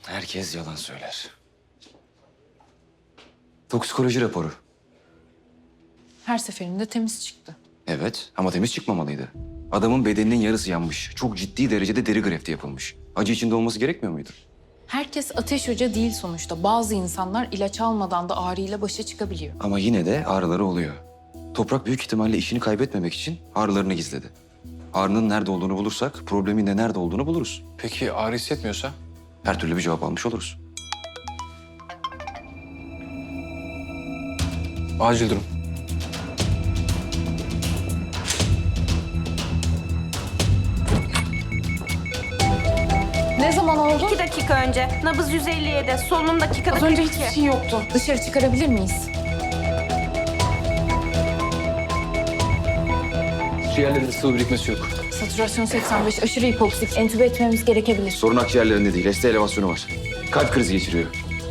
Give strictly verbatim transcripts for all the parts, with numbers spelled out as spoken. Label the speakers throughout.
Speaker 1: Herkes yalan söyler. Toksikoloji raporu.
Speaker 2: Her seferinde temiz çıktı.
Speaker 1: Evet ama temiz çıkmamalıydı. Adamın bedeninin yarısı yanmış. Çok ciddi derecede deri grefti yapılmış. Acı içinde olması gerekmiyor muydu?
Speaker 2: Herkes Ateş Hoca değil sonuçta. Bazı insanlar ilaç almadan da ağrıyla başa çıkabiliyor.
Speaker 1: Ama yine de ağrıları oluyor. Toprak büyük ihtimalle işini kaybetmemek için ağrılarını gizledi. Ağrının nerede olduğunu bulursak problemin de nerede olduğunu buluruz.
Speaker 3: Peki ağrı hissetmiyorsa?
Speaker 1: Her türlü bir cevap almış oluruz.
Speaker 3: Acil durum.
Speaker 2: Ne zaman oldu?
Speaker 4: İki dakika önce. Nabız yüz elli yedi. Solunum dakikada
Speaker 2: Az önce
Speaker 4: kırk iki.
Speaker 2: hiçbir şey yoktu. Dışarı çıkarabilir miyiz?
Speaker 3: Ciğerlerinde sıvı birikmesi yok.
Speaker 2: Satürasyon seksen beş, aşırı hipoksik. Entübe etmemiz gerekebilir.
Speaker 1: Sorun akciğerlerinde değil, S T elevasyonu var. Kalp krizi geçiriyor.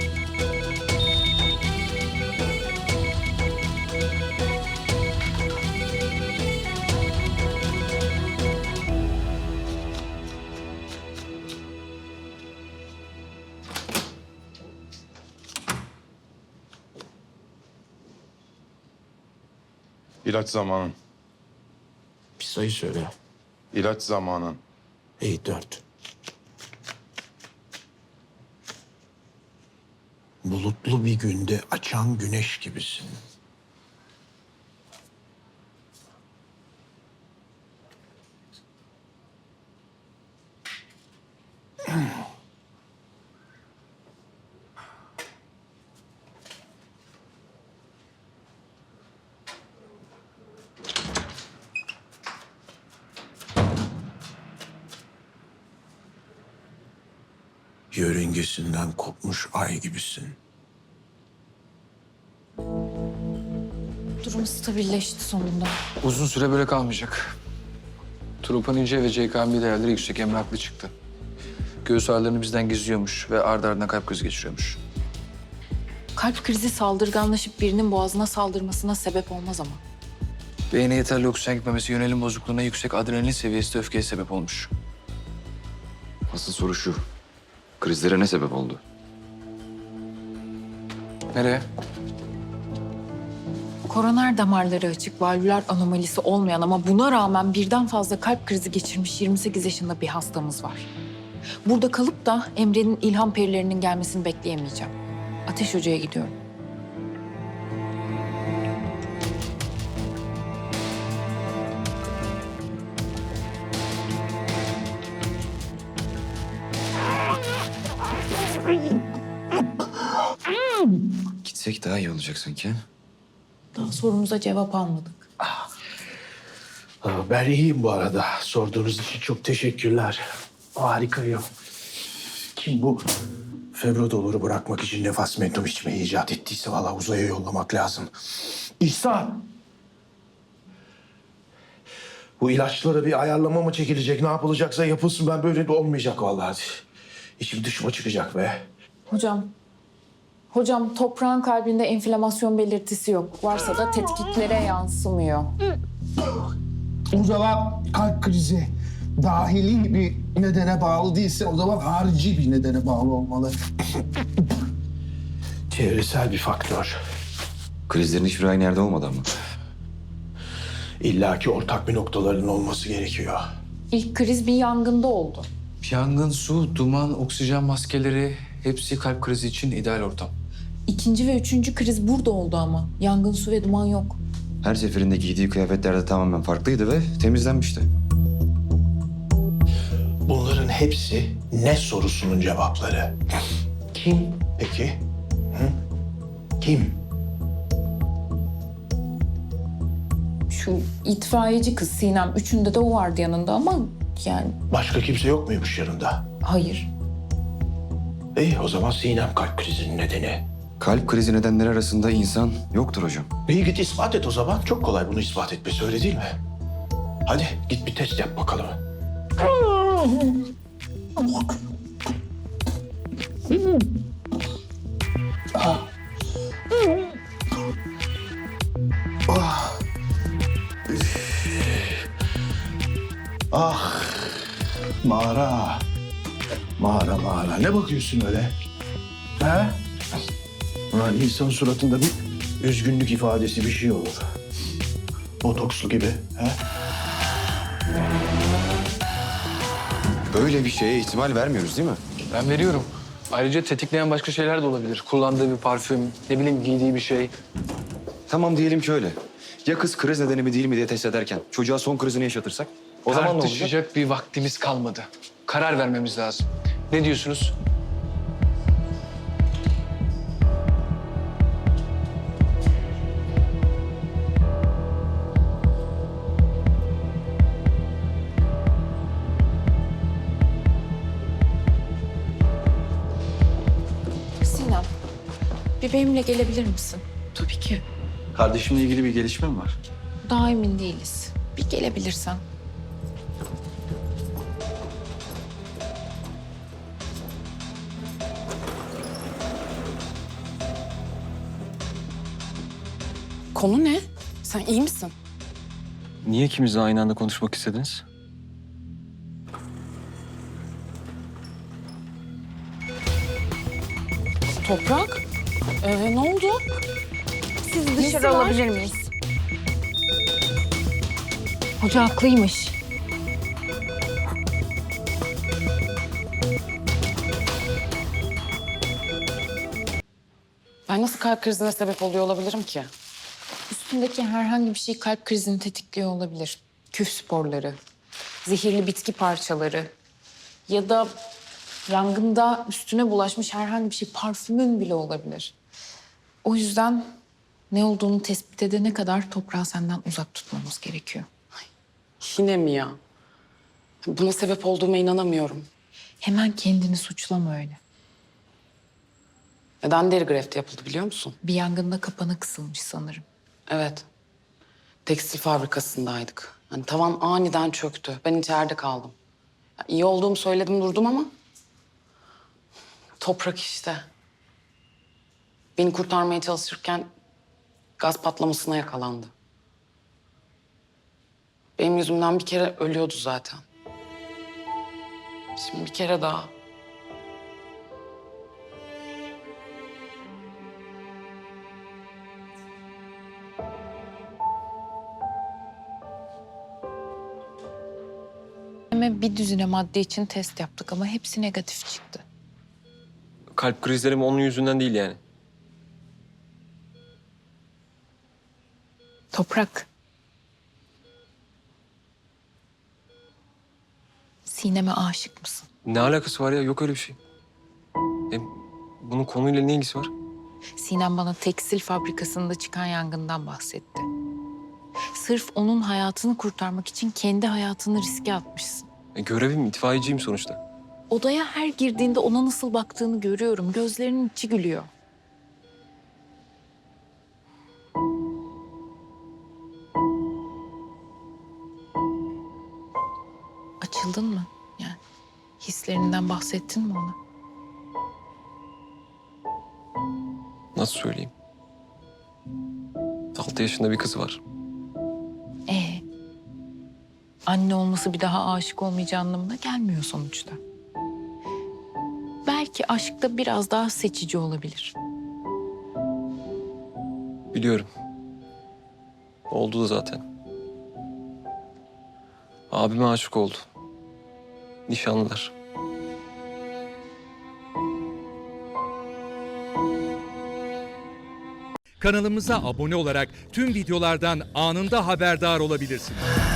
Speaker 5: İlaç zamanın.
Speaker 6: Bir sayı söyle.
Speaker 5: İlaç zamanın.
Speaker 6: İyi dört. Bulutlu bir günde açan güneş gibisin. Yörüngesinden kopmuş ay gibisin.
Speaker 2: Durum stabilleşti sonunda.
Speaker 3: Uzun süre böyle kalmayacak. Troponin C ve C K M B değerleri yüksek, Emre haklı çıktı. Göğüs ağrılarını bizden gizliyormuş ve ardı ardına kalp krizi geçiriyormuş.
Speaker 2: Kalp krizi saldırganlaşıp birinin boğazına saldırmasına sebep olmaz ama.
Speaker 3: Beyne yeterli oksijen gitmemesi, yönelim bozukluğuna, yüksek adrenalin seviyesi de öfkeye sebep olmuş.
Speaker 1: Asıl soru şu. Krizlere ne sebep oldu?
Speaker 3: Nereye?
Speaker 2: Koroner damarları açık, valvüler anomalisi olmayan ama buna rağmen birden fazla kalp krizi geçirmiş yirmi sekiz yaşında bir hastamız var. Burada kalıp da Emre'nin ilham perilerinin gelmesini bekleyemeyeceğim. Ateş Hoca'ya gidiyorum.
Speaker 1: Gitsek daha iyi olacak sanki.
Speaker 2: Daha sorumuza cevap almadık.
Speaker 6: Aa, Ben iyiyim bu arada. Sorduğunuz için çok teşekkürler. Harikayım. Kim bu? Febrodoluru bırakmak için nefas mentum içmeyi icat ettiyse vallahi uzaya yollamak lazım. İhsan! Bu ilaçlara bir ayarlama mı çekilecek? Ne yapılacaksa yapılsın. Ben böyle de olmayacak vallahi. İçim dışıma çıkacak be.
Speaker 2: Hocam, hocam toprağın kalbinde enflamasyon belirtisi yok. Varsa da tetkiklere yansımıyor.
Speaker 7: O zaman kalp krizi dahili bir nedene bağlı değilse o zaman harici bir nedene bağlı olmalı.
Speaker 6: Çevresel bir faktör.
Speaker 1: Krizlerin hiçbir aynı yerde olmadı ama.
Speaker 6: İlla ki ortak bir noktalarının olması gerekiyor.
Speaker 2: İlk kriz bir yangında oldu.
Speaker 3: Yangın, su, duman, oksijen maskeleri hepsi kalp krizi için ideal ortam.
Speaker 2: İkinci ve üçüncü kriz burada oldu ama. Yangın, su ve duman yok.
Speaker 1: Her seferinde giydiği kıyafetler de tamamen farklıydı ve temizlenmişti.
Speaker 6: Bunların hepsi ne sorusunun cevapları. Kim peki? Hı? Kim?
Speaker 2: Şu itfaiyeci kız Sinem, üçünde de o vardı yanında ama yani
Speaker 6: Başka kimse yok muymuş yanında?
Speaker 2: hayır.
Speaker 6: İyi o zaman Sinem kalp krizinin nedeni.
Speaker 1: Kalp krizi nedenleri arasında insan yoktur hocam.
Speaker 6: İyi git ispat et o zaman. Çok kolay bunu ispat etmesi öyle değil mi? Hadi git bir test yap bakalım. Ah, mağara. Mağara mağara. Ne bakıyorsun öyle? He? Ulan insan suratında bir üzgünlük ifadesi bir şey olur. Botokslu gibi. He?
Speaker 1: Böyle bir şeye ihtimal vermiyoruz değil mi?
Speaker 3: Ben veriyorum. Ayrıca tetikleyen başka şeyler de olabilir. Kullandığı bir parfüm, ne bileyim giydiği bir şey.
Speaker 1: Tamam diyelim ki öyle. Ya kız kriz nedeni mi değil mi diye test ederken çocuğa son krizini yaşatırsak? O zaman ne olacak?
Speaker 3: Tartışacak bir vaktimiz kalmadı. Karar vermemiz lazım. Ne diyorsunuz?
Speaker 2: Sinem, bir benimle gelebilir misin? Tabii ki.
Speaker 8: Kardeşimle ilgili bir gelişme mi var?
Speaker 2: Daha emin değiliz. Bir gelebilirsen.
Speaker 9: Konu ne? Sen iyi misin?
Speaker 8: Niye ikimiz de aynı anda konuşmak istediniz?
Speaker 9: Toprak? Ee, ne oldu?
Speaker 4: Sizi
Speaker 9: Nesi
Speaker 4: dışarı
Speaker 9: var?
Speaker 4: alabilir miyiz?
Speaker 2: Hoca haklıymış.
Speaker 9: Ben nasıl kalp krizine sebep oluyor olabilirim ki?
Speaker 2: Üstündeki herhangi bir şey kalp krizini tetikliyor olabilir. Küf sporları, zehirli bitki parçaları ya da yangında üstüne bulaşmış herhangi bir şey, parfümün bile olabilir. O yüzden ne olduğunu tespit edene kadar toprağı senden uzak tutmamız gerekiyor.
Speaker 9: Yine mi ya? Buna sebep olduğuma inanamıyorum.
Speaker 2: Hemen kendini suçlama öyle.
Speaker 9: Neden deri grefti yapıldı biliyor musun?
Speaker 2: Bir yangında kapana kısılmış sanırım.
Speaker 9: Evet. Tekstil fabrikasındaydık. Hani tavan aniden çöktü. Ben içeride kaldım. Ya, iyi olduğumu söyledim durdum ama... Toprak işte. Beni kurtarmaya çalışırken gaz patlamasına yakalandı. Benim yüzümden bir kere ölüyordu zaten. Şimdi bir kere daha.
Speaker 2: Hemen bir düzine madde için test yaptık ama hepsi negatif çıktı.
Speaker 8: Kalp krizlerim onun yüzünden değil yani.
Speaker 2: Toprak. Sinem'e aşık mısın?
Speaker 8: Ne alakası var ya? Yok öyle bir şey. Hem bunun konuyla ne ilgisi var?
Speaker 2: Sinem bana tekstil fabrikasında çıkan yangından bahsetti. Sırf onun hayatını kurtarmak için kendi hayatını riske atmışsın.
Speaker 8: E, görevim, itfaiyeciyim sonuçta.
Speaker 2: Odaya her girdiğinde ona nasıl baktığını görüyorum. Gözlerinin içi gülüyor. Açıldın mı? Yani hislerinden bahsettin mi ona?
Speaker 8: Nasıl söyleyeyim? Altı yaşında bir kızı var.
Speaker 2: Ee, anne olması bir daha aşık olmayacağı anlamına gelmiyor sonuçta. Belki aşkta biraz daha seçici olabilir.
Speaker 8: Biliyorum. Oldu da zaten. Abime aşık oldu. Nişanlılar.
Speaker 10: Kanalımıza abone olarak tüm videolardan anında haberdar olabilirsiniz.